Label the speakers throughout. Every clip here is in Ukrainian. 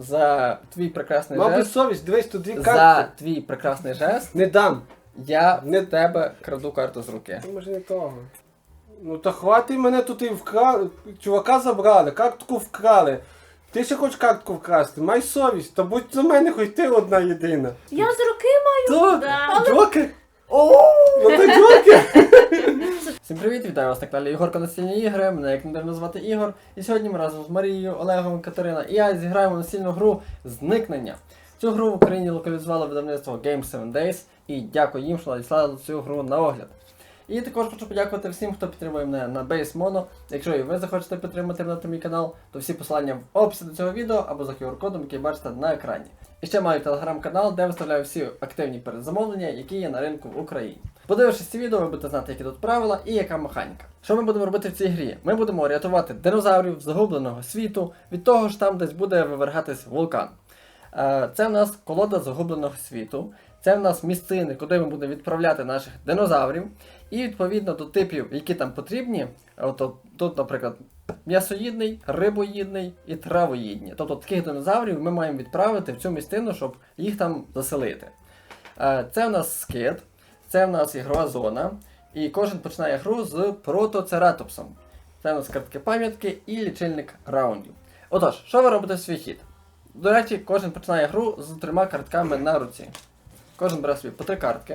Speaker 1: за твій прекрасний
Speaker 2: Мав би
Speaker 1: жест.
Speaker 2: совість, дивись, тут дві
Speaker 1: За
Speaker 2: карти.
Speaker 1: твій прекрасний жест
Speaker 2: Не дам.
Speaker 1: я в тебе краду карту з руки.
Speaker 2: Може не того. Ну та хватить мене тут і вкрали. Чувака забрали, картку вкрали. Ти ще хочеш картку вкрасти? Май совість, та будь за мене хоч ти одна єдина.
Speaker 3: Я з руки маю.
Speaker 2: То,
Speaker 3: Да.
Speaker 2: Джокер? Ну то Джокер!
Speaker 1: Всім привіт, вітаю вас на каналі Ігорка Настільні ігри, мене як недавно звати Ігор. І сьогодні ми разом з Марією, Олегом, Катерина і я зіграємо настільну гру «Зникнення». Цю гру в Україні локалізувало видавництво Game 7 Days і дякую їм, що надіслали цю гру на огляд. І також хочу подякувати всім, хто підтримує мене на Base Mono. Якщо і ви захочете підтримати мене та мій канал, то всі посилання в описі до цього відео або за QR-кодом, який бачите на екрані. І ще маю телеграм-канал, де виставляю всі активні передзамовлення, які є на ринку в Україні. Подивившись ці відео, ви будете знати, які тут правила і яка механіка. Що ми будемо робити в цій грі? Ми будемо рятувати динозаврів з загубленого світу від того ж там десь буде вивергатись вулкан. Це в нас колода загубленого світу. Це в нас місцини, куди ми будемо відправляти наших динозаврів. І відповідно до типів, які там потрібні, тут, наприклад, м'ясоїдний, рибоїдний і травоїдний. Тобто таких динозаврів ми маємо відправити в цю місцину, щоб їх там заселити. Це в нас скит, це в нас ігрова зона. І кожен починає гру з протоцератопсом. Це в нас картки пам'ятки і лічильник раундів. Отож, що ви робите в свій хід? До речі, кожен починає гру з 3 картками на руці. Кожен бере собі по 3 картки.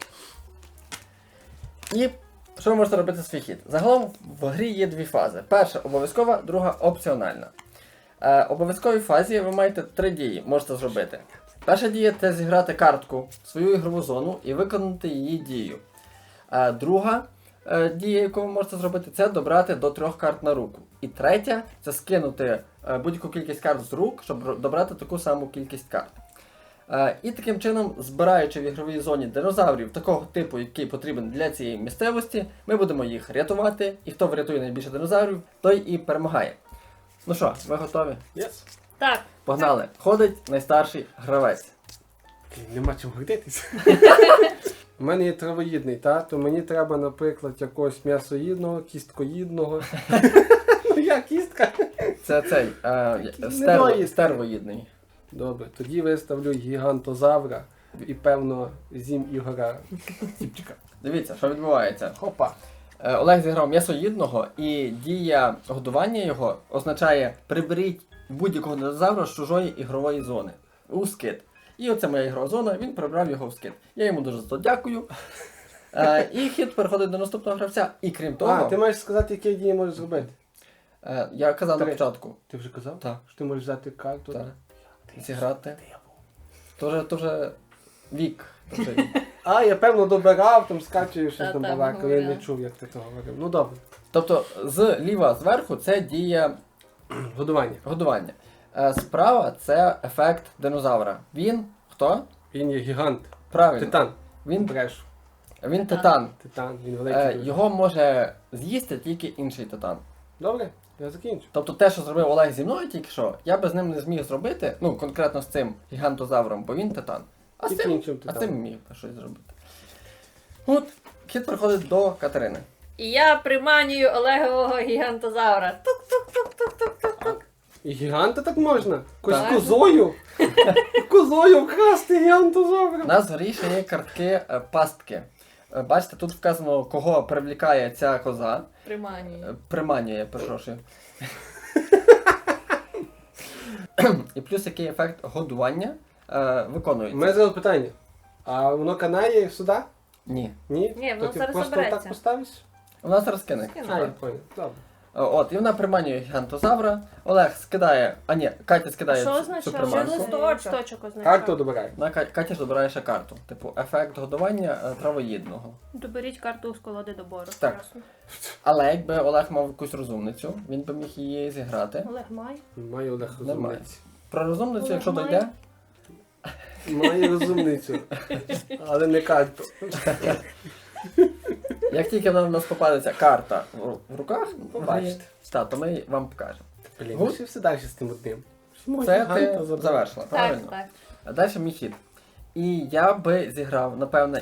Speaker 1: І що ви можете робити в свій хід? Загалом в грі є 2 фази. Перша обов'язкова, друга опціональна. В обов'язковій фазі ви маєте 3 дії, можете зробити. Перша дія – це зіграти картку в свою ігрову зону і виконати її дію. Друга дія, яку ви можете зробити, це добрати до 3 карт на руку. І третя – це скинути будь-яку кількість карт з рук, щоб добрати таку саму кількість карт. І таким чином, збираючи в ігровій зоні динозаврів такого типу, який потрібен для цієї місцевості, ми будемо їх рятувати, і хто врятує найбільше динозаврів, той і перемагає. Ну що, ви готові?
Speaker 2: Yes.
Speaker 3: Так.
Speaker 1: Погнали! Ходить найстарший гравець.
Speaker 2: Нема чим гордитись. У мене є травоїдний, то мені треба, наприклад, якогось м'ясоїдного, кісткоїдного. Ну я кістка.
Speaker 1: Це цей стервоїдний.
Speaker 2: Добре, тоді виставлю гігантозавра і, певно, з'їм Ігора Тіпчика.
Speaker 1: Дивіться, що відбувається.
Speaker 2: Хопа.
Speaker 1: Олег зіграв м'ясоїдного, і дія годування його означає приберіть будь-якого динозавра з чужої ігрової зони у скит. І оце моя ігрова зона, він прибрав його в скит. Я йому дуже за це дякую. І хід переходить до наступного гравця. І крім того...
Speaker 2: ти маєш сказати, які дії можеш зробити?
Speaker 1: Я казав на
Speaker 2: 3.
Speaker 1: початку.
Speaker 2: Ти вже казав?
Speaker 1: Так.
Speaker 2: Що ти можеш взяти карту?
Speaker 1: Так. Зіграти. Тоже вік.
Speaker 2: Я певно добирав, там скачую щось там
Speaker 3: Та-та,
Speaker 2: балакав, я не
Speaker 3: говорила.
Speaker 2: чув, як ти то говорив. Ну добре.
Speaker 1: Тобто зліва зверху це дія
Speaker 2: Годування.
Speaker 1: годування. Справа це ефект динозавра. Він хто?
Speaker 2: Він є гігант.
Speaker 1: Правильно.
Speaker 2: Титан.
Speaker 1: Він
Speaker 2: Бреш.
Speaker 1: титан.
Speaker 2: Титан, він великий.
Speaker 1: Його може з'їсти тільки інший титан.
Speaker 2: Добре, я закінчу.
Speaker 1: Тобто те, що зробив Олег зі мною тільки що, я би з ним не зміг зробити, ну конкретно з цим гігантозавром, бо він титан. А з
Speaker 2: Тільки
Speaker 1: цим,
Speaker 2: іншим
Speaker 1: а з
Speaker 2: титаном.
Speaker 1: цим міг щось зробити. От, хід приходить до Катерини.
Speaker 3: І я приманюю Олегового гігантозавра. Тук-тук-тук-тук-тук-тук.
Speaker 2: І гіганта так можна?
Speaker 1: Так.
Speaker 2: Козою? Козою вкрасти
Speaker 1: У
Speaker 2: гігантозавра.
Speaker 1: нас в грі ще є картки пастки. Бачите, тут вказано, кого привлікає ця коза.
Speaker 3: Приманюю.
Speaker 1: Приманює, перепрошую. І плюс який ефект годування
Speaker 2: У
Speaker 1: виконується.
Speaker 2: мене зараз питання. А воно канає сюди?
Speaker 1: Ні.
Speaker 2: Ні?
Speaker 3: Ні, воно
Speaker 2: То ти
Speaker 3: зараз
Speaker 2: просто
Speaker 3: забереться.
Speaker 2: так поставиш?
Speaker 1: У нас зараз кине.
Speaker 3: Скину.
Speaker 2: А, я понял. Добре.
Speaker 1: От, і вона приманює гігантозавра. Олег скидає, Катя скидає
Speaker 3: Що
Speaker 1: цю
Speaker 3: означає?
Speaker 1: приманку.
Speaker 3: Листочок означає.
Speaker 2: Карту добирай.
Speaker 1: Катя ж добирає ще карту. Типу, ефект годування травоїдного.
Speaker 3: Доберіть карту з колоди добору.
Speaker 1: Так.
Speaker 3: Ясно.
Speaker 1: Але якби Олег мав якусь розумницю, він би міг її зіграти.
Speaker 3: Олег має.
Speaker 2: Маю Олег
Speaker 1: Немає.
Speaker 2: розумницю.
Speaker 1: Про розумницю,
Speaker 3: Олег
Speaker 1: якщо
Speaker 3: має.
Speaker 1: дойде,
Speaker 2: Маю розумницю. Але не карту.
Speaker 1: як тільки в нас попадеться карта в руках,
Speaker 2: Побачите.
Speaker 1: то ми вам покажемо.
Speaker 2: Блін,
Speaker 1: Гуд?
Speaker 2: ну все далі з тим одним.
Speaker 1: Це ти завершила,
Speaker 3: Так,
Speaker 1: правильно?
Speaker 3: так.
Speaker 1: А далі мій хід. І я би зіграв, напевне,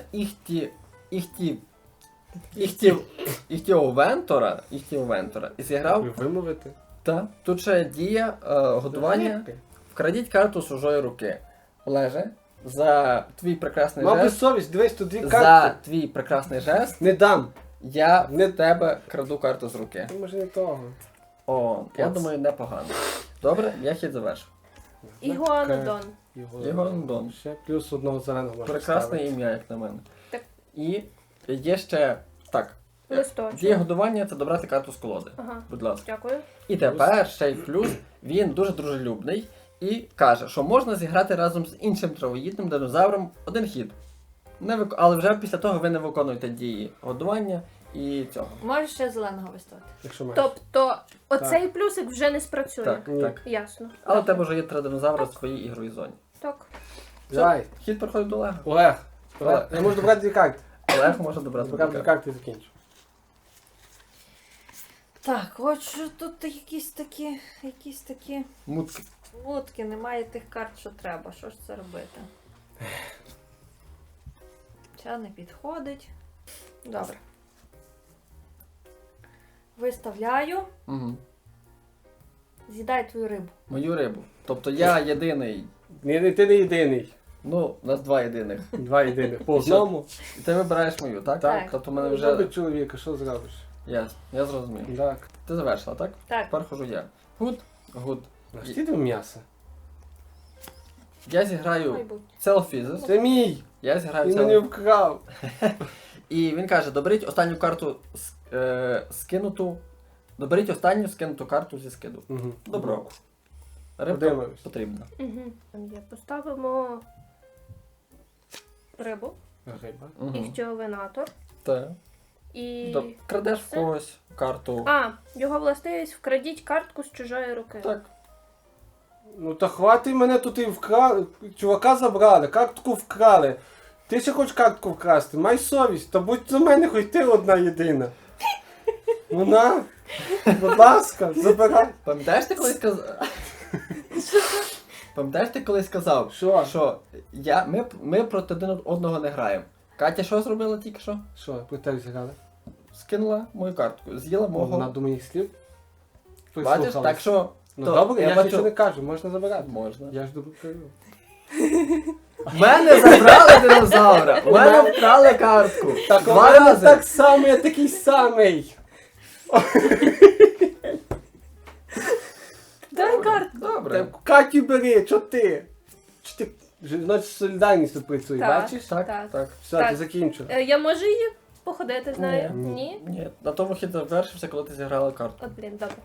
Speaker 1: Вентора і зіграв.
Speaker 2: Вимовити.
Speaker 1: Та, тут ще дія годування Вкрадіть карту з чужої руки. Олеже, за твій прекрасний
Speaker 2: Мав би
Speaker 1: жест,
Speaker 2: совість, дивись, тут дві
Speaker 1: за
Speaker 2: карти.
Speaker 1: твій прекрасний жест,
Speaker 2: Не дам.
Speaker 1: я в тебе краду карту з руки.
Speaker 2: Ну, може не того.
Speaker 1: О, я
Speaker 2: Клас.
Speaker 1: думаю, непогано. Добре, я хід завершив.
Speaker 3: Ігуанодон.
Speaker 1: Ігуанодон.
Speaker 2: Ще плюс одного зеленого можна
Speaker 1: Прекрасне
Speaker 2: ставити.
Speaker 1: ім'я, як на мене.
Speaker 3: Так.
Speaker 1: І є ще. Так.
Speaker 3: Листочок.
Speaker 1: Дія годування це добрати карту з колоди.
Speaker 3: Ага.
Speaker 1: Будь ласка.
Speaker 3: Дякую.
Speaker 1: І тепер ще й плюс, він дуже дружелюбний і каже, що можна зіграти разом з іншим травоїдним динозавром один хід. Але вже після того ви не виконуєте дії годування і цього.
Speaker 3: Можеш ще зеленого виставити.
Speaker 2: Якщо маєш.
Speaker 3: Тобто, оцей плюсик вже не спрацює.
Speaker 1: Так,
Speaker 2: Ні.
Speaker 1: так.
Speaker 3: Ясно.
Speaker 1: Але в
Speaker 3: Добре.
Speaker 1: тебе вже є 3 динозаври в своїй ігровій зоні.
Speaker 3: Так.
Speaker 2: Давай.
Speaker 1: Хід проходить до Олега.
Speaker 2: Олег.
Speaker 1: Олег.
Speaker 2: Я можу добрати дві карти.
Speaker 1: Олег може добрати
Speaker 2: Добрати дві
Speaker 1: дві
Speaker 2: карти і закінчу.
Speaker 3: Так, от що тут якісь такі
Speaker 1: мутки.
Speaker 3: мутки, немає тих карт, що треба. Що ж це робити? Ця не підходить. Добре. Виставляю.
Speaker 1: Угу.
Speaker 3: З'їдай твою рибу.
Speaker 1: Мою рибу. Тобто я єдиний.
Speaker 2: Ні, ти не єдиний.
Speaker 1: Ну, у нас 2 єдиних.
Speaker 2: Два єдиних. По одному.
Speaker 1: І ти вибираєш мою, так?
Speaker 3: Так.
Speaker 1: Тобто в мене
Speaker 2: Вже...
Speaker 1: вже.
Speaker 2: Любить чоловіка, що зробиш?
Speaker 1: Ясно, я зрозумів.
Speaker 2: Так.
Speaker 1: Ти завершила, так?
Speaker 3: Так.
Speaker 1: Тепер хожу я. Гуд, гуд.
Speaker 2: А ж ти до м'яса?
Speaker 1: Я зіграю
Speaker 3: Майбутнє.
Speaker 1: Целфізис.
Speaker 2: Це мій!
Speaker 1: Я зіграю
Speaker 2: Він мені
Speaker 1: Целфізис.
Speaker 2: вкрав.
Speaker 1: І він каже, доберіть останню карту скинуту. Доберіть останню скинуту карту зі скиду.
Speaker 2: Угу.
Speaker 1: Добро. Рибка
Speaker 2: Подивимось.
Speaker 1: потрібна.
Speaker 3: Угу. Поставимо рибу,
Speaker 2: Риба.
Speaker 1: Угу.
Speaker 3: іхтіовинатор
Speaker 1: Так.
Speaker 3: і...
Speaker 1: Крадеш в
Speaker 3: Все?
Speaker 1: когось карту.
Speaker 3: А, його властивість вкрадіть картку з чужої руки.
Speaker 1: Так.
Speaker 2: Ну та хватить мене тут і вкрали. Чувака забрали, картку вкрали. Ти ще хочеш картку вкрасти? Май совість, та будь за мене хоч ти одна єдина. Ну на, будь ласка, забирай.
Speaker 1: Пам'ятаєш ти колись сказав? Пам'ятаєш ти колись сказав,
Speaker 2: Що?
Speaker 1: що ми проти один одного не граємо. Катя що зробила тільки що?
Speaker 2: Що, про тебе зіграли?
Speaker 1: Скинула мою картку, з'їла
Speaker 2: Вона
Speaker 1: мого.
Speaker 2: до моїх слів.
Speaker 1: Бачиш,
Speaker 2: Прислухалась.
Speaker 1: так що.
Speaker 2: Ну
Speaker 1: то
Speaker 2: добре, я ж
Speaker 1: бачу-
Speaker 2: нічого не кажу, можна забирати.
Speaker 1: Можна.
Speaker 2: Я ж добре кажу.
Speaker 1: В мене забрали динозавра! У мене вкрали картку!
Speaker 2: Так, у
Speaker 1: Два
Speaker 2: мене
Speaker 1: рази!
Speaker 2: так само, я такий самий.
Speaker 3: Дай картку.
Speaker 1: Добре.
Speaker 2: Так, Катю бери, чо ти? Чи ти? Значить, солідарність тут працює,
Speaker 3: Так.
Speaker 2: бачиш?
Speaker 1: Так,
Speaker 3: Так.
Speaker 1: так.
Speaker 2: Все,
Speaker 3: Так.
Speaker 2: ти закінчила.
Speaker 3: Я можу її походити з нею?
Speaker 2: Ні.
Speaker 3: Ні?
Speaker 1: Ні, на тому хід завершився, коли ти зіграла карту.
Speaker 3: От, блін, добре.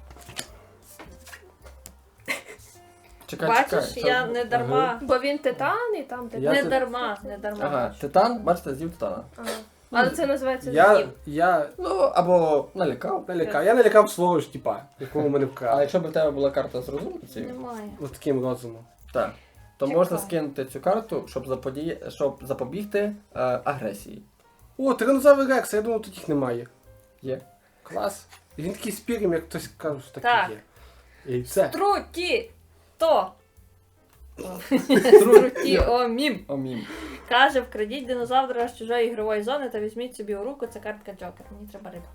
Speaker 1: Чекай,
Speaker 3: Бачиш,
Speaker 1: чекай.
Speaker 3: я
Speaker 1: Це-
Speaker 3: не дарма. Бо він титан і там титан.
Speaker 2: Я
Speaker 3: Не
Speaker 2: тут-
Speaker 3: дарма, не дарма.
Speaker 1: Ага,
Speaker 3: бачу.
Speaker 1: титан, бачите, з'їв титана.
Speaker 3: Ага. Але це називається
Speaker 2: Я
Speaker 3: з'їв.
Speaker 1: Ну, або налякав.
Speaker 2: налякав. Я налякав свого ж типа, якого мене
Speaker 1: А
Speaker 2: вкрали.
Speaker 1: якщо б в тебе була карта з розумницею,
Speaker 3: Немає.
Speaker 2: От таким розумом.
Speaker 1: так, то
Speaker 3: Чекай.
Speaker 1: можна скинути цю карту, щоб запобігти агресії.
Speaker 2: О, тиранозавр Рекс, я думав, тут їх немає.
Speaker 1: Є.
Speaker 2: Клас. І він такий спірим, як хтось каже, що
Speaker 3: Так.
Speaker 2: таке є. І все.
Speaker 3: Труті! То!
Speaker 1: Труті.
Speaker 3: Труті, о, мім.
Speaker 1: О, мім.
Speaker 3: Каже, вкрадіть динозавра з чужої ігрової зони та візьміть собі у руку, це картка Джокер. Мені треба риба.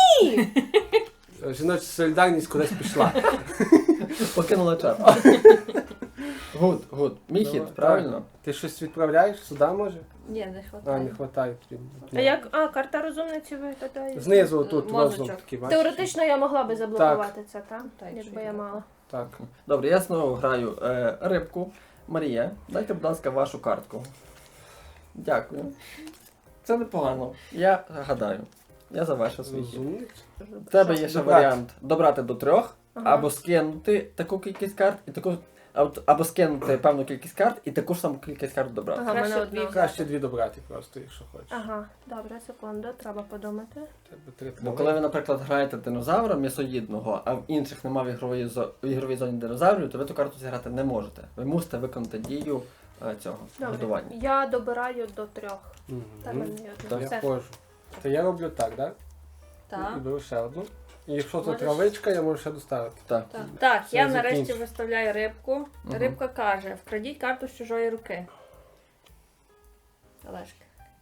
Speaker 2: Жіноча солідарність кудись пішла.
Speaker 1: Покинула чат. Гуд. Мій
Speaker 2: Давай.
Speaker 1: хід, правильно?
Speaker 2: Так. Ти щось відправляєш сюди, може?
Speaker 3: Ні, не
Speaker 2: А,
Speaker 3: хватає.
Speaker 2: не вистачає тобі.
Speaker 3: А як? А, карта розумниці виглядає.
Speaker 2: Знизу тут
Speaker 3: Мозочок.
Speaker 2: розум такий, бачиш?
Speaker 3: Теоретично я могла би заблокувати це, так?
Speaker 1: Так,
Speaker 3: Якби я мала.
Speaker 2: Так.
Speaker 1: Добре, я знову граю рибку. Марія, дайте, будь ласка, вашу картку. Дякую. Це непогано. Я гадаю. Я завершив свій хід.
Speaker 2: Розумник.
Speaker 1: У тебе є ще
Speaker 2: Добрати.
Speaker 1: варіант добрати до 3,
Speaker 3: Ага.
Speaker 1: або скинути таку кількість карт, і таку. Або скинути певну кількість карт і таку ж саму кількість карт добрати.
Speaker 3: Ага, в Краще мене одна. дві.
Speaker 2: Краще дві добрати просто, якщо хочеш.
Speaker 3: Ага, добре, секунду, треба подумати.
Speaker 2: Тебе три
Speaker 1: Бо коли ви, наприклад, граєте динозавра м'ясоїдного, а в інших немає в ігровій зоні динозаврів, то ви ту карту зіграти не можете. Ви мусите виконати дію цього
Speaker 3: Добре,
Speaker 1: годування.
Speaker 3: я добираю до 3.
Speaker 2: Мгм.
Speaker 3: Так, мене є одна.
Speaker 2: Я
Speaker 3: Все.
Speaker 2: ходжу. То я роблю так, так?
Speaker 3: Так.
Speaker 2: І беру ще одну. І якщо це
Speaker 3: Можеш?
Speaker 2: травичка, я можу ще доставити.
Speaker 1: Так.
Speaker 3: Так,
Speaker 2: Все,
Speaker 3: я нарешті
Speaker 2: закінчу.
Speaker 3: виставляю рибку.
Speaker 1: Мгм.
Speaker 3: Рибка каже, вкрадіть карту з чужої руки. Олешка.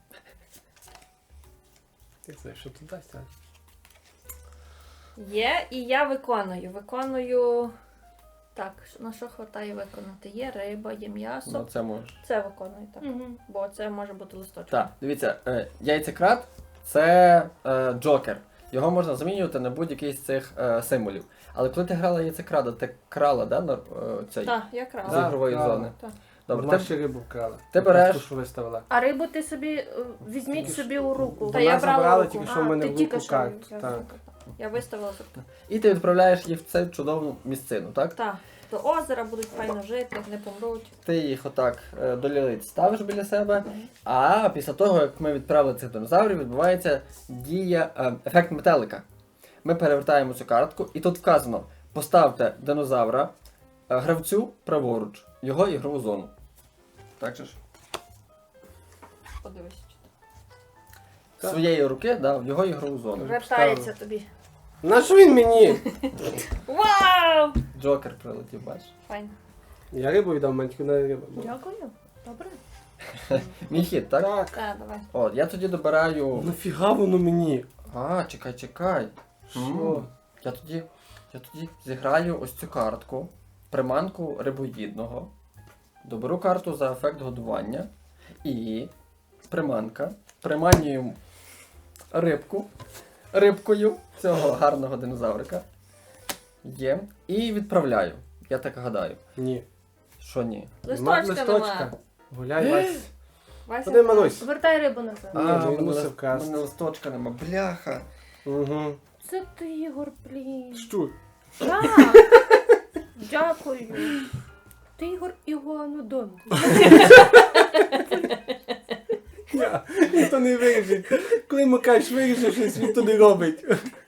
Speaker 2: Ти знаєш, що тут дасть, а?
Speaker 3: Є, і я виконую. Виконую Так, на що хватає виконати? Є риба, є м'ясо.
Speaker 1: Ну, це можеш.
Speaker 3: Це виконує так.
Speaker 4: Угу.
Speaker 3: Бо це може бути листочок.
Speaker 1: Так, дивіться, яйцекрат це джокер. Його можна замінювати на будь-який з цих символів. Але коли ти грала яйцекрада, ти крала, да, цей
Speaker 3: Так, я
Speaker 1: з
Speaker 3: крала.
Speaker 2: Так.
Speaker 1: ігрової
Speaker 2: крала.
Speaker 1: зони.
Speaker 3: Так.
Speaker 1: Добре,
Speaker 2: Вона
Speaker 1: ти,
Speaker 2: ще рибу вкрала.
Speaker 1: ти береш-
Speaker 2: Ту, що виставила.
Speaker 4: А рибу ти собі візьміть собі у руку.
Speaker 3: Та
Speaker 2: Вона
Speaker 3: я брала
Speaker 2: забрала
Speaker 3: руку.
Speaker 2: тільки що в мене
Speaker 4: ти
Speaker 2: в
Speaker 4: тільки
Speaker 2: руку
Speaker 4: що
Speaker 2: карту.
Speaker 4: взяла.
Speaker 2: Так.
Speaker 3: Я виставила тут.
Speaker 1: і ти відправляєш їх в цю чудову місцину, так?
Speaker 3: Так, до озера будуть файно жити, не помруть.
Speaker 1: Ти їх отак до лілиць ставиш біля себе, а після того, як ми відправили цих динозаврів, відбувається дія, ефект метелика. Ми перевертаємо цю картку, і тут вказано: поставте динозавра гравцю праворуч, в його ігрову зону. Так же ж?
Speaker 3: Подивись.
Speaker 1: З своєї руки, да, в його ігрову зону.
Speaker 3: Вертається тобі.
Speaker 2: На що він мені?
Speaker 3: Вау!
Speaker 1: Джокер прилетів, бачиш.
Speaker 3: Файно.
Speaker 2: Я рибу віддав, мене тільки на рибу.
Speaker 4: Дякую. Добре.
Speaker 1: Мій хід, так?
Speaker 2: Так.
Speaker 3: Так, давай.
Speaker 1: От, я тоді добираю.
Speaker 2: Нафіга воно мені?
Speaker 1: А, чекай.
Speaker 2: Що?
Speaker 1: Я тоді зіграю ось цю картку, приманку рибоїдного, доберу карту за ефект годування і приманка, приманюю рибкою цього гарного динозаврика. Є. І відправляю. Я так гадаю.
Speaker 2: Ні.
Speaker 1: Що ні?
Speaker 3: Листочка нема.
Speaker 2: Гуляй, Вась.
Speaker 3: Вася,
Speaker 2: Куди, Марусь?
Speaker 4: Вертай рибу назад.
Speaker 2: Ні,
Speaker 1: А,
Speaker 2: він
Speaker 1: в
Speaker 2: мусив
Speaker 1: мене
Speaker 2: красти.
Speaker 1: листочка нема. Бляха.
Speaker 2: Угу.
Speaker 4: Це ти, Ігор, блін.
Speaker 2: Щур.
Speaker 4: Так. Дякую. Ти, Ігор, Ігуанодон.
Speaker 2: Ніхто не виріжить. Коли йому кажеш, виріжеш щось, він то не робить.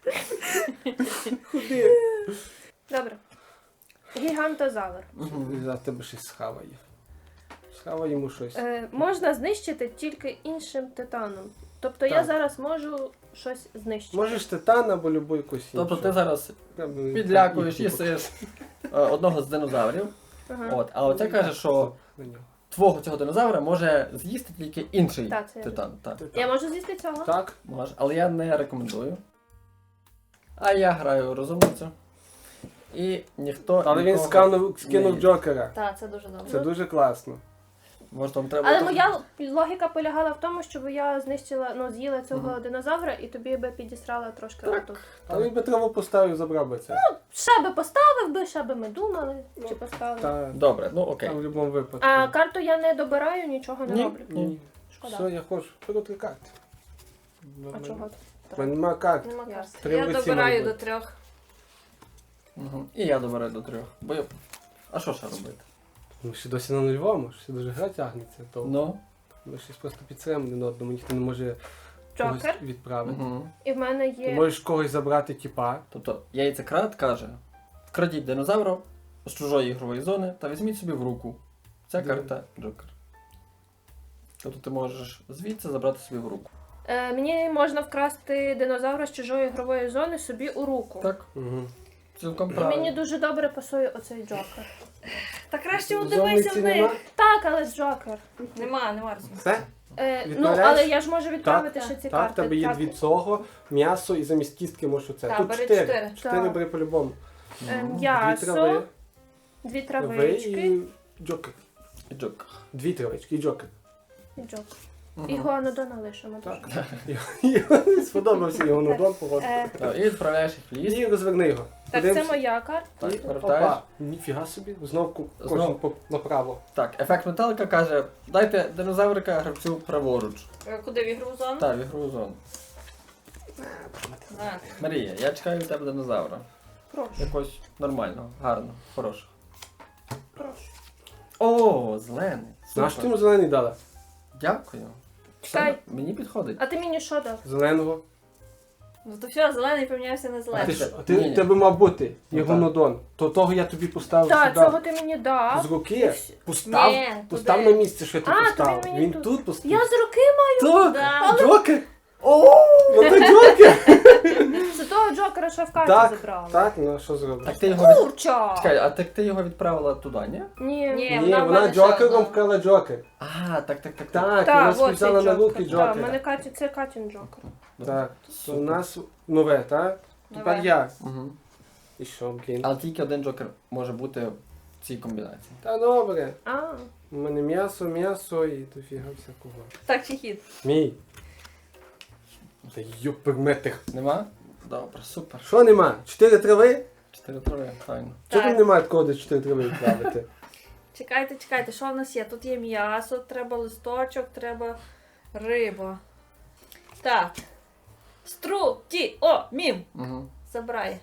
Speaker 2: Худи.
Speaker 4: Добре. Гігантозавр.
Speaker 2: За тебе щось схаває. Схавай йому щось.
Speaker 4: Можна знищити тільки іншим титаном. Тобто я
Speaker 2: Так.
Speaker 4: зараз можу щось знищити.
Speaker 2: Можеш титан або любу якусь іншу.
Speaker 1: Тобто ти зараз
Speaker 2: Прям,
Speaker 1: підлякуєш,
Speaker 2: і-
Speaker 1: їсиш одного з динозаврів.
Speaker 4: Ага.
Speaker 1: От, а оце каже, що
Speaker 2: На нього.
Speaker 1: твого цього динозавра може з'їсти тільки інший
Speaker 4: Так, це я
Speaker 1: титан. Так,
Speaker 4: Я можу з'їсти цього?
Speaker 2: Так.
Speaker 1: може, але я не рекомендую. А я граю розумницю. І ніхто.
Speaker 2: Але він
Speaker 1: нікого
Speaker 2: скинув
Speaker 1: не-
Speaker 2: Джокера.
Speaker 3: Так, це дуже добре.
Speaker 2: Це дуже класно.
Speaker 1: Може, вам треба.
Speaker 4: Але
Speaker 1: там-
Speaker 4: моя логіка полягала в тому, щоб я знищила, з'їла цього динозавра і тобі би підісрала трошки отут.
Speaker 2: Але він би траву поставив, забрав би це.
Speaker 4: Ще би поставив би, ще би ми думали, чи поставили.
Speaker 2: Та,
Speaker 1: Добре, ну окей.
Speaker 2: там в будь-якому випадку.
Speaker 4: А карту я не добираю, нічого не
Speaker 1: Ні.
Speaker 4: роблю.
Speaker 2: Ні.
Speaker 4: Шкода.
Speaker 2: Все, я хочу. Беру 3 карти.
Speaker 4: А чого?
Speaker 2: У мене немає карт.
Speaker 3: Нема
Speaker 4: Ясно.
Speaker 3: карт.
Speaker 2: Три
Speaker 3: Я
Speaker 2: в руці
Speaker 3: добираю
Speaker 2: мають
Speaker 3: до
Speaker 2: бути.
Speaker 3: 3.
Speaker 1: І я добираю до 3. Бо я... А що ще робити?
Speaker 2: Ми ще досі на нульовому, ще дуже гра тягнеться. То
Speaker 1: Ну.
Speaker 2: ми щось просто підсилимо один одному, ніхто не може когось
Speaker 4: Джокер.
Speaker 2: відправити.
Speaker 1: Угу.
Speaker 4: І в мене
Speaker 2: Ти
Speaker 4: є.
Speaker 2: можеш когось забрати тіпа.
Speaker 1: Тобто яйцекрат каже: вкрадіть динозавра з чужої ігрової зони та візьміть собі в руку. Ця
Speaker 2: Де?
Speaker 1: карта Джокер. Тобто ти можеш звідси забрати собі в руку.
Speaker 4: Мені можна вкрасти динозавра з чужої ігрової зони собі у руку.
Speaker 1: Так,
Speaker 2: Угу.
Speaker 1: цілком
Speaker 4: І
Speaker 1: правильно.
Speaker 4: мені дуже добре пасує оцей Джокер.
Speaker 3: Та краще
Speaker 2: Зониці
Speaker 3: удивися в
Speaker 2: нема?
Speaker 3: них.
Speaker 4: Так, але Джокер.
Speaker 3: Нема розуму.
Speaker 2: Все?
Speaker 4: Ну,
Speaker 2: Відправляєш?
Speaker 4: але я ж можу відправити
Speaker 3: Так.
Speaker 4: ще ці
Speaker 2: Так, в
Speaker 4: карти.
Speaker 2: тебе є 2 цього, м'ясо і замість кістки можеш оце.
Speaker 3: Так,
Speaker 2: Тут
Speaker 3: бери
Speaker 2: 4.
Speaker 3: 4.
Speaker 2: 4
Speaker 4: Так.
Speaker 2: бери по-любому.
Speaker 1: Ну,
Speaker 4: М'ясо,
Speaker 2: 2 трави,
Speaker 4: 2
Speaker 2: ви
Speaker 4: травички
Speaker 2: і Джокер.
Speaker 1: і Джокер.
Speaker 2: 2 травички і Джокер.
Speaker 4: і Джокер.
Speaker 1: Мгм.
Speaker 4: І Гуанодона лишимо.
Speaker 2: Так.
Speaker 4: дуже.
Speaker 2: Сподобався його нудон, походу.
Speaker 1: Так, і відправляєш їх в ліс.
Speaker 2: І розверни його.
Speaker 4: Так, це
Speaker 2: Подивимося.
Speaker 4: моя карта.
Speaker 1: Так,
Speaker 2: І
Speaker 1: повертаєш.
Speaker 2: опа, ніфіга собі, знов кожен
Speaker 1: Знов.
Speaker 2: направо.
Speaker 1: Так, ефект металика каже: дайте динозаврика гравцю праворуч.
Speaker 3: Куди в ігрову зону?
Speaker 1: Так, в ігрову зону.
Speaker 3: А,
Speaker 1: Марія, я чекаю від тебе динозавра.
Speaker 4: Прошу,
Speaker 1: Якось нормального, гарного, хорошого.
Speaker 4: прошу.
Speaker 1: О, зелений.
Speaker 2: Наш
Speaker 1: Супер.
Speaker 2: ти йому зелений дала?
Speaker 1: Дякую.
Speaker 4: Чекай.
Speaker 1: Все, мені підходить.
Speaker 4: А ти мені що дав?
Speaker 2: Зеленого.
Speaker 3: Ну то все, зелений помінявся на
Speaker 2: А
Speaker 3: зелений.
Speaker 2: ти
Speaker 1: це-
Speaker 2: ж, а ти,
Speaker 1: ні-ні.
Speaker 2: тебе мав бути
Speaker 1: Ну,
Speaker 2: його
Speaker 1: так.
Speaker 2: нудон. То того я тобі поставив
Speaker 4: Так,
Speaker 2: сюди.
Speaker 4: цього ти мені дав.
Speaker 2: З руки.
Speaker 4: Ні,
Speaker 2: Постав,
Speaker 3: туди.
Speaker 2: постав на місце, що ти
Speaker 4: А, то
Speaker 2: поставив.
Speaker 4: він мені
Speaker 2: Він
Speaker 4: тут.
Speaker 2: тут поставив.
Speaker 4: Я з руки маю.
Speaker 2: То,
Speaker 3: Да.
Speaker 2: Джокер! О, ну то Джокер!
Speaker 4: Це того Джокера, що в карті
Speaker 2: Так,
Speaker 4: забрала.
Speaker 2: так, ну що зробиш?
Speaker 1: Так ти його від...
Speaker 4: Курча!
Speaker 1: Чекай, а так ти його відправила туди, ні?
Speaker 4: Ні.
Speaker 3: Ні.
Speaker 2: Ні,
Speaker 3: вона
Speaker 2: вона
Speaker 3: в мене
Speaker 2: Джокером
Speaker 3: ще
Speaker 2: вкрала Джокер.
Speaker 1: А, так.
Speaker 2: Так,
Speaker 4: Так,
Speaker 2: вона
Speaker 4: от цей
Speaker 2: списала на руки
Speaker 4: Джокер. Так,
Speaker 2: Джокера.
Speaker 4: мене це Катін Джокер.
Speaker 2: Так, то у
Speaker 1: Супер.
Speaker 2: нас нове, так? Тепер
Speaker 3: Нове.
Speaker 2: я.
Speaker 1: Угу.
Speaker 2: І що, блін?
Speaker 1: Але тільки один джокер може бути в цій комбінації.
Speaker 2: Та добре.
Speaker 4: А,
Speaker 2: У мене м'ясо і дофіга всякого.
Speaker 3: Так, чи хід?
Speaker 2: Мій. Та юперметих.
Speaker 1: Нема? Добре, супер.
Speaker 2: Що нема? 4 трави?
Speaker 1: 4 трави, файно.
Speaker 2: Чого
Speaker 3: Так.
Speaker 2: там немає такого, де 4 трави відправити?
Speaker 3: Чекайте, що в нас є? Тут є м'ясо, треба листочок, треба риба. Так. Мім.
Speaker 1: Угу.
Speaker 3: Забирай.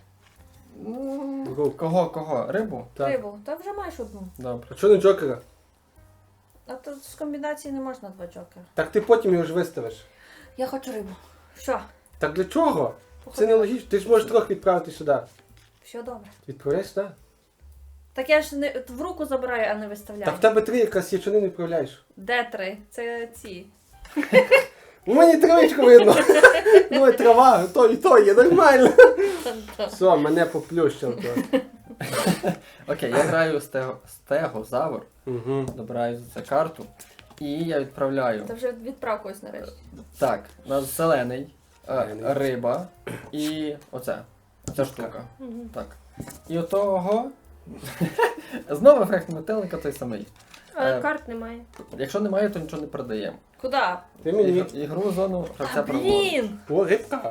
Speaker 1: Кого? Рибу?
Speaker 2: Так.
Speaker 3: Рибу. Та вже маєш одну.
Speaker 1: Добре.
Speaker 2: А чого не джокера?
Speaker 3: А тут з комбінації не можна 2 джокера.
Speaker 2: Так ти потім його ж виставиш.
Speaker 3: Я хочу рибу. Що?
Speaker 2: Так для чого? Це не логічно. Ти ж можеш трохи відправити сюди.
Speaker 3: Все добре.
Speaker 2: Відправляєш сюди?
Speaker 3: Так я ж не в руку забираю, а не виставляю.
Speaker 2: Так в тебе 3 якраз є, чого не відправляєш?
Speaker 3: Де 3? Це ці.
Speaker 2: У мене травичку видно. Ну і трава, то є, нормально. Все, мене поплющило.
Speaker 1: Окей, я граю стегозавр,
Speaker 2: Угу.
Speaker 1: добираю за це карту. І я відправляю.
Speaker 3: Та вже відправ когось нарешті.
Speaker 1: Так, у нас зелений,
Speaker 2: Зелений.
Speaker 1: риба і оце. Ця штука.
Speaker 4: мгм.
Speaker 1: Так. І отого. Знову ефект метелика той самий.
Speaker 4: Але
Speaker 1: Е,
Speaker 4: карт немає.
Speaker 1: Якщо немає, то нічого не продаємо.
Speaker 3: Куди?
Speaker 2: Ти мені.
Speaker 1: Ігру зону гравця
Speaker 3: А,
Speaker 1: праворуч.
Speaker 3: блін!
Speaker 2: О, рибка.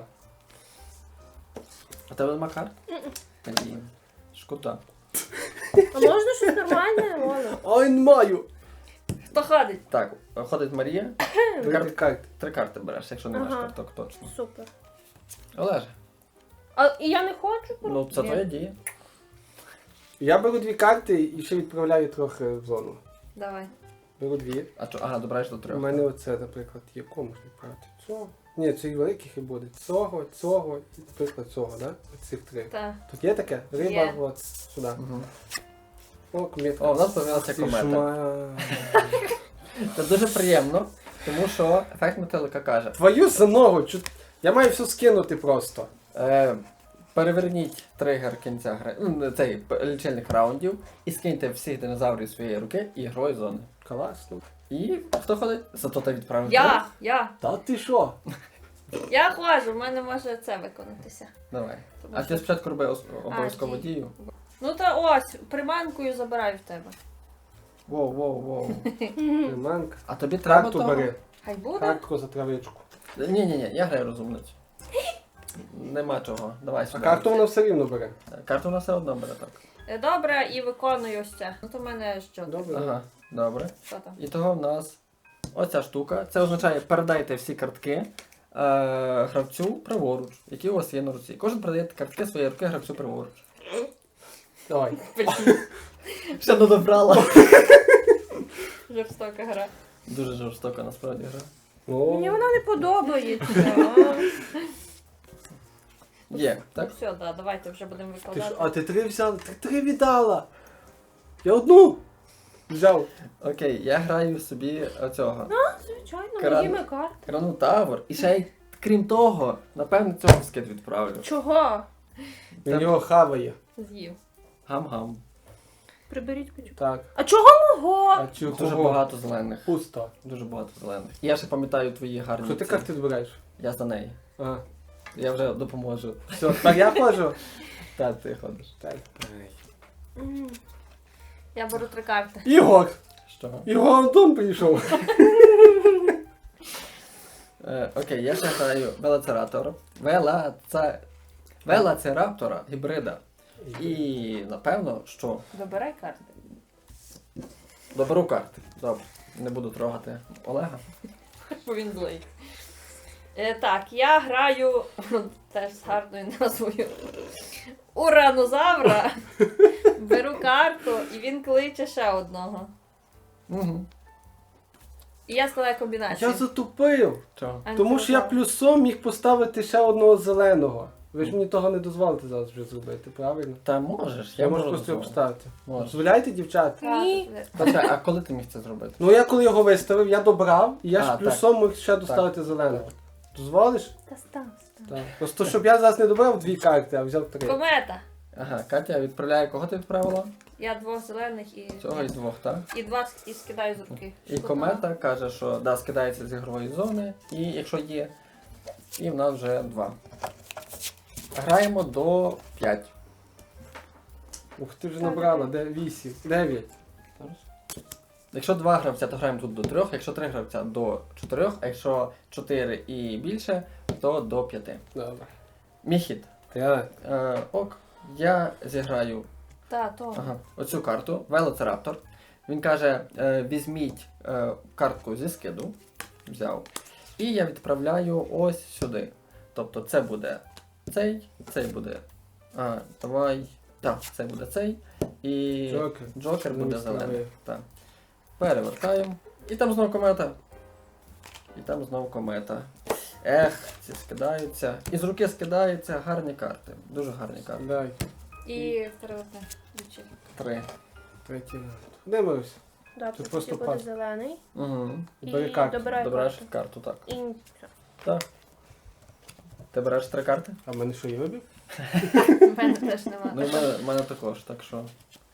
Speaker 1: А тебе нема карт? Блін. Шкода.
Speaker 4: А можна щось нормальне, Оля?
Speaker 2: Ой, не маю.
Speaker 3: Хто ходить?
Speaker 1: Так, ходить Марія.
Speaker 2: Вибір карт.
Speaker 1: 3 карти береш, якщо не маєш
Speaker 4: Ага.
Speaker 1: карток, точно.
Speaker 4: Супер.
Speaker 1: Олеже,
Speaker 4: А і я не хочу?
Speaker 1: ну це
Speaker 3: Ні.
Speaker 1: твоя дія.
Speaker 2: Я беру 2 карти і ще відправляю трохи в зону.
Speaker 3: Давай.
Speaker 2: Беру 2.
Speaker 1: А чо, ага, добираєш до
Speaker 2: У
Speaker 1: 3.
Speaker 2: мене оце, наприклад, є. Кому можна відправити? Цього. Ні, цих великих і буде. Цього і, наприклад, цього, да? Цих 3.
Speaker 3: Так.
Speaker 2: Тут є таке? Риба,
Speaker 3: Є.
Speaker 2: от сюди.
Speaker 1: Угу.
Speaker 2: О, комета.
Speaker 1: О, в нас появилася комета. Це дуже приємно, тому що ефект метелика каже.
Speaker 2: Твою за ногу! Я маю все скинути просто.
Speaker 1: Переверніть тригер кінця гри, цей лічильник раундів і скиньте всіх динозаврів з своєї руки і грою зони.
Speaker 2: Класно.
Speaker 1: І хто ходить? Зато ти відправив.
Speaker 3: Я.
Speaker 2: Та ти що?
Speaker 3: Я ходжу, в мене може це виконатися.
Speaker 1: Давай.
Speaker 3: Тому
Speaker 1: А
Speaker 3: що-
Speaker 1: ти спочатку роби обов'язково
Speaker 3: дій.
Speaker 1: дію.
Speaker 3: Ну та ось, приманкою забираю в тебе.
Speaker 1: Воу.
Speaker 2: Приманка.
Speaker 1: А тобі треба
Speaker 2: Карту
Speaker 1: того?
Speaker 2: бери.
Speaker 3: Хай буде.
Speaker 2: Картку за травичку.
Speaker 1: Ні, я граю розумницю. Нема чого. Давай
Speaker 2: А
Speaker 1: сюди.
Speaker 2: карту вона все рівно бере.
Speaker 1: Карту вона все одно бере так.
Speaker 3: Добре, і виконую ось це. Ну то в мене що?
Speaker 2: Добре.
Speaker 1: Ага, добре.
Speaker 3: Що там?
Speaker 1: І того в нас оця штука. Це означає, передайте всі картки гравцю праворуч, які у вас є на руці. Кожен передає картки своєї руки гравцю праворуч.
Speaker 2: Давай.
Speaker 1: Все додобрала.
Speaker 3: Жорстока гра.
Speaker 1: Дуже жорстока насправді гра.
Speaker 2: О,
Speaker 4: Мені вона не подобається.
Speaker 1: Є,
Speaker 3: Ну
Speaker 1: так?
Speaker 3: все, да, давайте вже будемо
Speaker 2: ти
Speaker 3: викладати.
Speaker 2: що? А ти 3 взяла? Ти 3 віддала. Я одну взяв.
Speaker 1: Окей, я граю собі оцього.
Speaker 4: Звичайно,
Speaker 1: Кран.
Speaker 4: моїми карт.
Speaker 1: Кранотавр. І ще й крім того, напевно, цього в скид відправлю.
Speaker 4: Чого?
Speaker 2: Він його хаває.
Speaker 3: З'їв.
Speaker 1: Гам-гам.
Speaker 4: Приберіть печу.
Speaker 2: Так.
Speaker 4: А чого мого?
Speaker 2: А чого?
Speaker 1: Дуже багато зелених.
Speaker 2: Пусто.
Speaker 1: Дуже багато зелених. І я ще пам'ятаю твої гарні.
Speaker 2: Що ти
Speaker 1: ці.
Speaker 2: карти збираєш?
Speaker 1: Я за неї.
Speaker 2: Ага.
Speaker 1: Я вже допоможу.
Speaker 2: Все, так я ходжу?
Speaker 1: Так, ти ходиш.
Speaker 2: Так.
Speaker 4: М.
Speaker 3: Я беру 3 карти.
Speaker 2: Ігор!
Speaker 1: Що?
Speaker 2: Ігор Антон прийшов.
Speaker 1: Окей, я ще граю Велоцираптора. Велоцираптора гібрида. І напевно, що
Speaker 3: Добирай карти.
Speaker 1: доберу карти. Добре. Не буду трогати Олега.
Speaker 3: Бо він злий. Так, я граю теж з гарною назвою Уранозавра. Беру карту і він кличе ще одного.
Speaker 1: Угу.
Speaker 3: І я складаю комбінацію.
Speaker 2: Я затупив.
Speaker 1: Чого?
Speaker 3: А,
Speaker 2: Тому
Speaker 3: ну,
Speaker 2: що я
Speaker 3: так.
Speaker 2: плюсом міг поставити ще одного зеленого. Ви ж мені того не дозволите зараз вже зробити, правильно?
Speaker 1: Та можеш,
Speaker 2: Я можу
Speaker 1: можу
Speaker 2: просто його
Speaker 1: дозволити.
Speaker 2: поставити.
Speaker 1: Можеш.
Speaker 2: Дозволяєте, дівчата?
Speaker 3: Так,
Speaker 4: Ні.
Speaker 1: Почекай, а коли ти міг це зробити?
Speaker 2: Ну я коли його виставив, я добрав, і я ж
Speaker 1: А,
Speaker 2: плюсом міг ще доставити зеленого. Дозволиш?
Speaker 4: Та став.
Speaker 2: Так. Просто щоб я зараз не добрав 2 карти, а взяв 3.
Speaker 3: Комета.
Speaker 1: Ага, Катя відправляє, кого ти відправила?
Speaker 3: Я 2 зелених і
Speaker 1: Цього і 2, так?
Speaker 3: і 2 і скидаю з руки.
Speaker 1: І комета каже, що да, скидається з ігрової зони, і якщо є, і в нас вже 2. Граємо до 5.
Speaker 2: Ух, ти вже
Speaker 4: Так,
Speaker 2: набрала, 8, 9.
Speaker 1: Якщо 2 гравця, то граємо тут до 3, якщо 3 гравця до 4, а якщо 4 і більше, то до 5.
Speaker 2: Добре.
Speaker 1: Мій хід.
Speaker 2: Так.
Speaker 1: Ок, я зіграю
Speaker 3: То.
Speaker 1: оцю карту, Велоцираптор. Він каже, візьміть картку зі скиду, взяв, і я відправляю ось сюди. Тобто це буде цей буде. Давай. Так, це буде цей. І Джокер буде зелений. Так. Перевертаємо. І там знов комета. І там знов комета. Ці скидаються. І з руки скидаються гарні карти. Дуже гарні карти.
Speaker 2: Дай.
Speaker 3: І перевертне.
Speaker 1: 3.
Speaker 2: Третій раунд. Дивимося.
Speaker 4: Да,
Speaker 2: Тут
Speaker 4: тут
Speaker 2: просто
Speaker 4: буде
Speaker 2: пас.
Speaker 4: зелений.
Speaker 1: Угу.
Speaker 4: І
Speaker 2: Бери карту.
Speaker 4: добирай
Speaker 1: Добираєш
Speaker 4: карту.
Speaker 1: карту, так.
Speaker 4: І
Speaker 1: Так. Ти береш 3 карти?
Speaker 2: А в мене що є вибір?
Speaker 3: В мене теж нема.
Speaker 1: Ну, в мене також, так що.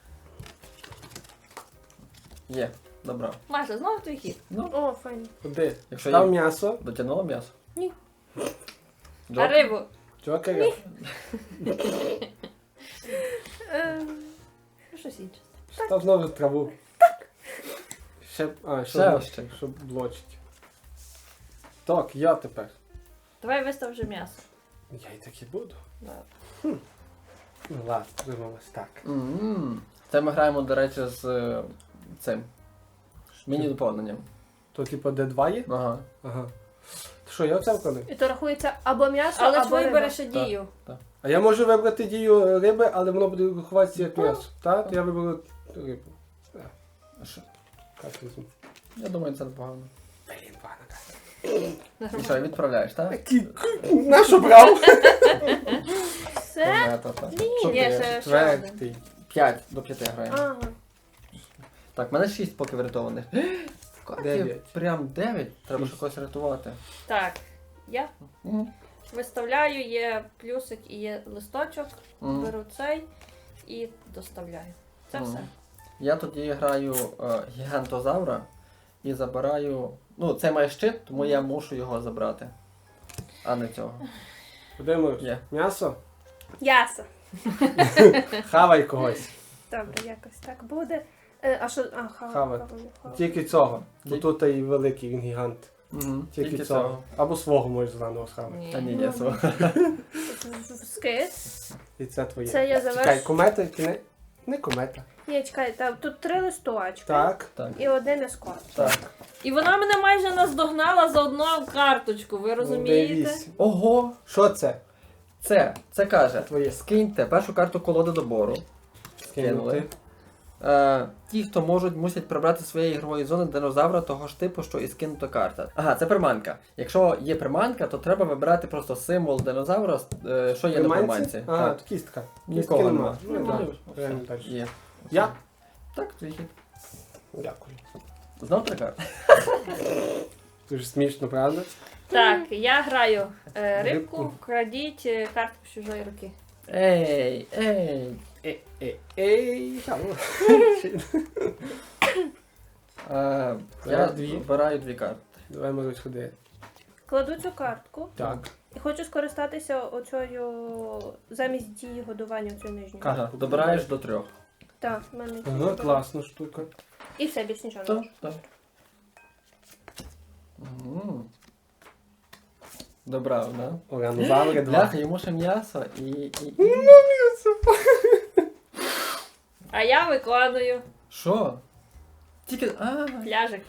Speaker 1: Є, добре.
Speaker 3: Маша, знову твій хід.
Speaker 1: Ну,
Speaker 4: О, файно.
Speaker 2: Куди?
Speaker 1: якщо
Speaker 2: Став
Speaker 1: є.
Speaker 2: м'ясо.
Speaker 1: Дотягнуло м'ясо?
Speaker 4: Ні.
Speaker 3: А
Speaker 1: Джокер?
Speaker 3: рибу?
Speaker 2: Джокера.
Speaker 3: Щось інше.
Speaker 2: Став знову траву. Ще,
Speaker 1: Ще ось ще.
Speaker 2: щоб блочить. Так, я тепер.
Speaker 3: Давай вистав вже м'ясо.
Speaker 2: Я і так і буду.
Speaker 3: Да.
Speaker 2: Ну ладно, думалось так.
Speaker 1: Це ми граємо, до речі, з цим. Міні-доповненням.
Speaker 2: То типу D2 є?
Speaker 1: Ага.
Speaker 2: Ага. То що, я оце вкладу?
Speaker 4: І то рахується або м'ясо,
Speaker 3: Але
Speaker 4: або
Speaker 3: твій
Speaker 4: риба.
Speaker 3: береш дію.
Speaker 2: А я можу вибрати дію риби, але воно буде рахуватися як м'ясо. Так? Я виберу рибу.
Speaker 1: Що?
Speaker 2: Як візьму?
Speaker 1: Я думаю, це непогано.
Speaker 2: Блін, пана.
Speaker 1: І що, відправляєш, так?
Speaker 2: На що брав?
Speaker 4: Все?
Speaker 1: Комета, так. Що
Speaker 3: Є
Speaker 1: ти?
Speaker 3: ще один.
Speaker 2: Четвертий.
Speaker 1: 5 до 5 граємо.
Speaker 4: Ага.
Speaker 1: Так, в мене 6 поки врятованих. Катя,
Speaker 2: 9.
Speaker 1: прям 9? Треба ж
Speaker 2: Шість.
Speaker 1: когось рятувати.
Speaker 3: Так. Я
Speaker 1: Мгм.
Speaker 3: виставляю, є плюсик і є листочок.
Speaker 1: Мгм.
Speaker 3: Беру цей і доставляю. Це
Speaker 1: Мгм.
Speaker 3: все.
Speaker 1: Я тоді граю гігантозавра і забираю. Ну, це має щит, тому я мушу його забрати. А не цього.
Speaker 2: Подивимось.
Speaker 1: Є.
Speaker 2: М'ясо?
Speaker 4: Ясо.
Speaker 2: Хавай когось.
Speaker 4: Добре, якось так буде. А що?
Speaker 2: Хавати.
Speaker 4: Хавати.
Speaker 2: Тільки цього. Бо
Speaker 1: Ті-
Speaker 2: тут і великий, він гігант.
Speaker 1: Угу.
Speaker 2: Тільки цього. Або свого можеш заново схавати.
Speaker 1: Та ні, я свого.
Speaker 4: Скид.
Speaker 2: І це твоє.
Speaker 4: Це я завершу.
Speaker 2: Чекай, комета чи не? Не комета.
Speaker 4: Ні, чекай, тут 3 листочки.
Speaker 2: Так.
Speaker 1: Так.
Speaker 4: І один ескорт.
Speaker 2: Так.
Speaker 3: І вона мене майже наздогнала за одну карточку, ви розумієте?
Speaker 2: Дивись.
Speaker 1: Ого!
Speaker 2: Що це?
Speaker 1: Це каже,
Speaker 2: Твоє.
Speaker 1: скиньте першу карту колоди добору. Скинули. Ті, хто мусять прибрати з своєї ігрової зони динозавра того ж типу, що і скинута карта. Ага, це приманка. Якщо є приманка, то треба вибирати просто символ динозавра, що є на приманці.
Speaker 2: А,
Speaker 1: Так.
Speaker 2: то кістка.
Speaker 1: Нікого
Speaker 2: Кістки
Speaker 1: нема.
Speaker 2: Ну,
Speaker 4: Нема.
Speaker 2: добре. Граємо далі.
Speaker 1: Є.
Speaker 2: Я?
Speaker 1: Так, твій хід.
Speaker 2: Дякую.
Speaker 1: Знов 3 карти?
Speaker 2: Дуже смішно, правда?
Speaker 3: Так, я граю
Speaker 2: Рибку.
Speaker 3: рибку, крадіть картку з чужої руки.
Speaker 1: Ей!
Speaker 2: Ей.
Speaker 1: Я
Speaker 2: Дві.
Speaker 1: вибираю 2 карти.
Speaker 2: Давай, Марусь, ходи.
Speaker 4: Кладу цю картку
Speaker 2: Так.
Speaker 4: і хочу скористатися оцею замість дії годування оцею нижньою.
Speaker 2: Картку.
Speaker 1: Ага, добираєш до 3.
Speaker 4: Так, в мене
Speaker 2: Ага,
Speaker 4: тут.
Speaker 2: класна штука.
Speaker 4: І все, більш нічого не
Speaker 1: Так,
Speaker 4: можу.
Speaker 1: так. Мгм. Добрав, да?
Speaker 2: Оранозаври 2.
Speaker 1: Бляха, йому ще м'ясо і...
Speaker 3: А я викладаю
Speaker 1: Що? Тільки...
Speaker 3: пляжик.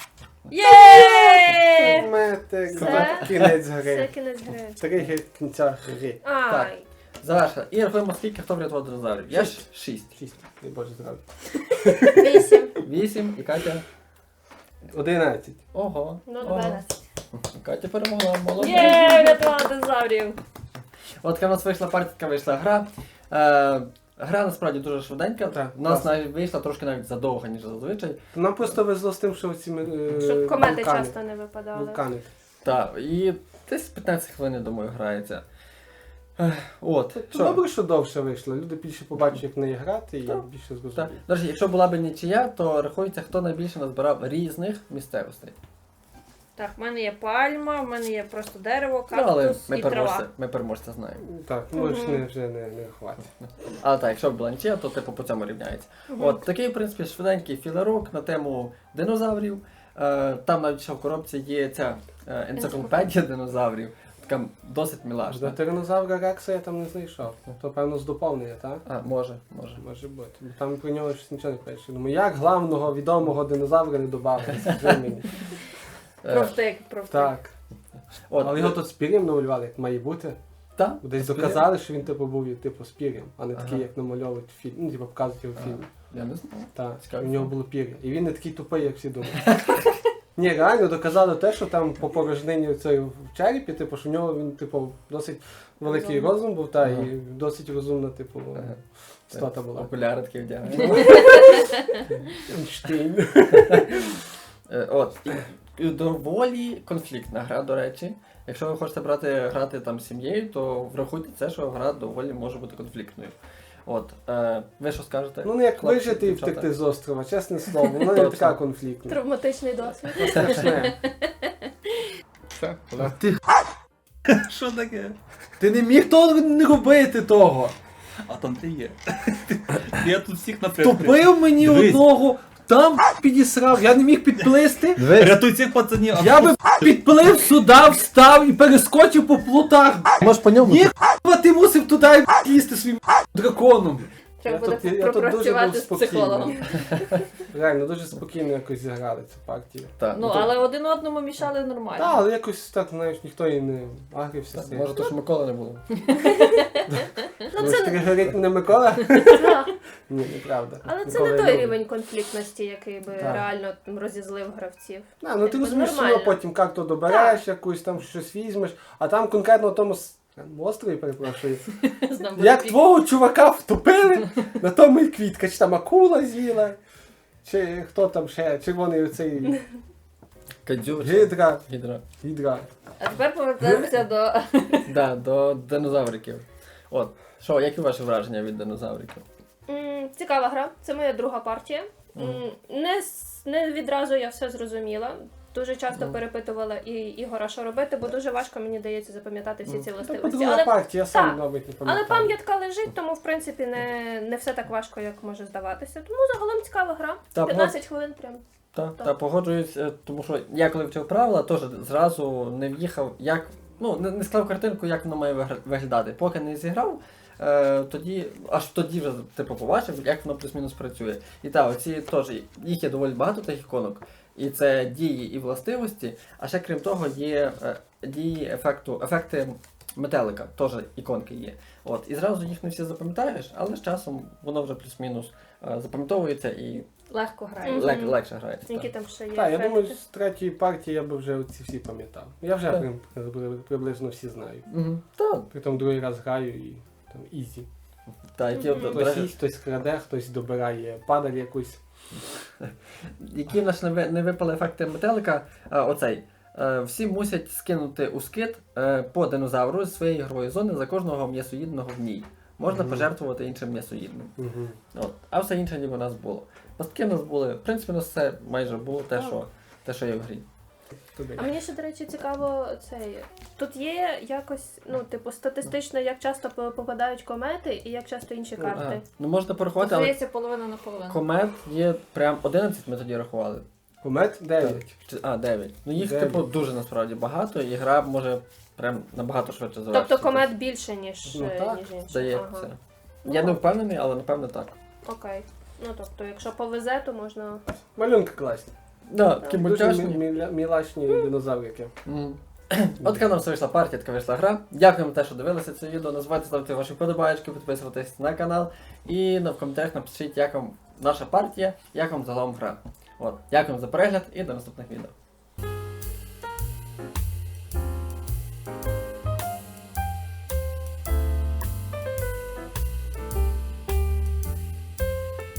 Speaker 3: Є!
Speaker 2: Метик.
Speaker 4: Це-
Speaker 2: Кінець
Speaker 4: Це
Speaker 2: гри.
Speaker 4: кінець гри.
Speaker 2: 3 кінця гри.
Speaker 4: Ай.
Speaker 1: Завершили. І рахуємо, скільки хто врятував динозаврів. Я ж 6.
Speaker 2: 6. Дай Боже здоров'я.
Speaker 4: 8.
Speaker 1: 8 і Катя.
Speaker 2: 11.
Speaker 1: Ого.
Speaker 4: Ну,
Speaker 1: ого.
Speaker 4: 12.
Speaker 1: Катя перемогла, молодець.
Speaker 3: Є! Врятувала динозаврів.
Speaker 1: От така в нас вийшла партія, вийшла гра. Гра насправді дуже швиденька.
Speaker 2: Так,
Speaker 1: У нас
Speaker 2: класно.
Speaker 1: навіть вийшла трошки навіть задовго, ніж зазвичай.
Speaker 2: Нам просто везло з тим, що ці
Speaker 4: Щоб комети
Speaker 2: вулкани.
Speaker 4: часто не випадали.
Speaker 2: Вулкани.
Speaker 1: Так, і десь 15 хвилин, я думаю, грається. От.
Speaker 2: То
Speaker 1: Що?
Speaker 2: добре, що довше вийшло. Люди більше побачать, як в неї грати, і
Speaker 1: Так.
Speaker 2: більше
Speaker 1: Так.
Speaker 2: зрозуміють.
Speaker 1: До речі, якщо була б нічия, то рахується, хто найбільше назбирав різних місцевостей.
Speaker 3: Так, в мене є пальма, в мене є просто дерево,
Speaker 1: Ну, але
Speaker 3: кактус і трава.
Speaker 1: ми переможця знаємо.
Speaker 2: Так, можеш вже не хватить.
Speaker 1: Але так, якщо була нічия, то типу по цьому рівняється. От такий, в принципі, швиденький філерок на тему динозаврів. Там навіть ще в коробці є ця енциклопедія динозаврів. Така досить
Speaker 2: До
Speaker 1: милашна.
Speaker 2: тиранозавра Рекса я там не знайшов. То певно з доповнення, так?
Speaker 1: А, може.
Speaker 2: Може бути. Бо там про нього щось нічого не пише. Думаю, як главного відомого динозавра не додали? Скажи мені.
Speaker 1: Е,
Speaker 3: Профтик.
Speaker 2: Так.
Speaker 1: От,
Speaker 2: Але його тут з пір'ям намалювали, як має бути.
Speaker 1: та,
Speaker 2: Десь
Speaker 1: з пір'ям.
Speaker 2: доказали, що він типу був типу з пір'ям, а не такий,
Speaker 1: Ага.
Speaker 2: як намальовують в фільмі. Ну, типу показують його в фільмі.
Speaker 1: Я не знаю.
Speaker 2: Так,
Speaker 1: Цікаво.
Speaker 2: у нього було пір'я. І він не такий тупий, як всі думають. Ні, реально доказали те, що там по порожнині цієї в черепі, типу, що в нього він, типу, досить великий розум був, та,
Speaker 1: Ага.
Speaker 2: і досить розумна, типу,
Speaker 1: Ага.
Speaker 2: стата була.
Speaker 1: Окуляри такі вдягає.
Speaker 2: Ейнштейн.
Speaker 1: От. І доволі конфліктна гра, до речі. Якщо ви хочете грати там з сім'єю, то врахуйте це, що гра доволі може бути конфліктною. От. Ви що скажете?
Speaker 2: Ну, не як
Speaker 1: Хлопці,
Speaker 2: вижити і
Speaker 1: дівчата?
Speaker 2: втекти з острова, чесне слово, воно не
Speaker 1: Точно.
Speaker 2: така конфліктна.
Speaker 4: Травматичний досвід.
Speaker 2: Страшне.
Speaker 1: А ти що таке? Ти не міг не робити того!
Speaker 5: А там ти є. Я тут всіх напрямку.
Speaker 1: Тупив мені
Speaker 5: Дивись.
Speaker 1: одного, там підісрав, я не міг підплисти.
Speaker 5: Рятуй цих пацанів.
Speaker 1: Я би підплив сюди, встав і перескочив по плотах. Може по ньому? Ні, ти мусив туди лізти своїм драконом.
Speaker 3: Треба
Speaker 2: Я
Speaker 3: буде
Speaker 2: тут дуже
Speaker 3: пропрацювати
Speaker 2: був
Speaker 3: з психологом.
Speaker 2: Реально, дуже спокійно якось зіграли цю партію.
Speaker 1: Так,
Speaker 3: Ну, але один одному мішали нормально.
Speaker 2: Так, але якось так, знаєш, ніхто і не агрився. з цим.
Speaker 1: може то, що Миколи не було.
Speaker 2: Ну, це тригерить мене Микола?
Speaker 4: Так.
Speaker 2: Ні, неправда.
Speaker 4: Але це
Speaker 2: Микола
Speaker 4: не
Speaker 2: я
Speaker 4: той
Speaker 2: люблю.
Speaker 4: рівень конфліктності, який би
Speaker 2: Так.
Speaker 4: реально там розізлив гравців.
Speaker 2: Ну ти
Speaker 4: Якби
Speaker 2: розумієш, що
Speaker 4: нормально.
Speaker 2: потім як то добереш, якусь там щось візьмеш, а там конкретно на тому острові, перепрошую.
Speaker 3: Знов
Speaker 2: Як
Speaker 3: буде
Speaker 2: твого чувака втопили, на тому і квітка, чи там акула з'їла, чи хто там ще, червоний оцей
Speaker 1: Кадзюр.
Speaker 2: гідра.
Speaker 1: Гідра.
Speaker 3: А тепер повертаємося до...
Speaker 1: Да, до динозавриків. От, що, які ваші враження від динозавриків?
Speaker 4: Цікава гра, це моя друга партія. Не відразу я все зрозуміла. Дуже часто перепитувала і Ігора, що робити, бо дуже важко мені дається запам'ятати всі ці
Speaker 2: Це
Speaker 4: властивості.
Speaker 2: друга
Speaker 4: Але,
Speaker 2: партія, я сам
Speaker 4: так.
Speaker 2: навіть не пам'ятаю.
Speaker 4: але пам'ятка лежить, тому в принципі не все так важко, як може здаватися. Тому загалом цікава гра.
Speaker 1: Та,
Speaker 4: 15 хвилин прям.
Speaker 1: Та погоджуюсь, тому що я коли вчив правила, теж зразу не в'їхав, як, ну, не склав картинку, як воно має виглядати. Поки не зіграв, аж тоді вже типу, побачив, як воно плюс-мінус працює. І так, оці теж, їх є доволі багато тих іконок. І це дії і властивості, а ще крім того є дії ефекти метелика, теж іконки є. От, і зразу їх не всі запам'ятаєш, але з часом воно вже плюс-мінус запам'ятовується і
Speaker 3: Легко грає.
Speaker 4: Мгм.
Speaker 1: легше грається.
Speaker 4: Які
Speaker 1: Так.
Speaker 4: там ще є
Speaker 2: Так, я
Speaker 4: ефекти.
Speaker 2: думаю, з третьої партії я би вже ці всі пам'ятав. Я вже
Speaker 1: Так.
Speaker 2: приблизно всі знаю.
Speaker 1: Мгм. Так,
Speaker 2: Притом другий раз граю і там ізі.
Speaker 1: які,
Speaker 4: Мгм.
Speaker 1: до
Speaker 2: Хтось
Speaker 1: речі,
Speaker 2: їсть, хтось краде, хтось добирає падаль якусь.
Speaker 1: які в нас не випали ефекти метелика, оцей. Всі мусять скинути у скид по динозавру з своєї ігрової зони за кожного м'ясоїдного в ній. Можна
Speaker 2: Мгм.
Speaker 1: пожертвувати іншим м'ясоїдним.
Speaker 2: Угу.
Speaker 1: От. А все інше ніби у нас було. Пастки у нас були, в принципі, у нас все майже було те, що є в грі.
Speaker 4: А мені ще, до речі, цікаво цей. Тут є якось, ну, типу, статистично, як часто попадають комети і як часто інші карти.
Speaker 1: Ну можна порахувати, але
Speaker 3: Здається, половина на половину.
Speaker 1: комет є прям 11 ми тоді рахували.
Speaker 2: Комет 9.
Speaker 1: 9. Ну їх,
Speaker 2: 9.
Speaker 1: типу, дуже насправді багато, і гра може прям набагато швидше завершитися.
Speaker 4: Тобто комет більше, ніж
Speaker 2: Ну, так,
Speaker 4: інші.
Speaker 1: Здається.
Speaker 4: Ага.
Speaker 1: Я не впевнений, але напевно так.
Speaker 4: Окей. Ну тобто, якщо повезе, то можна.
Speaker 2: Малюнки класні.
Speaker 1: Да, такі
Speaker 2: Дуже
Speaker 1: мультяшні.
Speaker 2: мілашні динозаврики.
Speaker 1: Мгм. От така нам все вийшла партія, така вийшла гра. Дякуємо за те, що дивилися це відео. Не забувайте ставити ваші вподобайки, підписуватись на канал. І в коментарях напишіть, як вам наша партія, як вам загалом гра. От, дякуємо за перегляд і до наступних відео.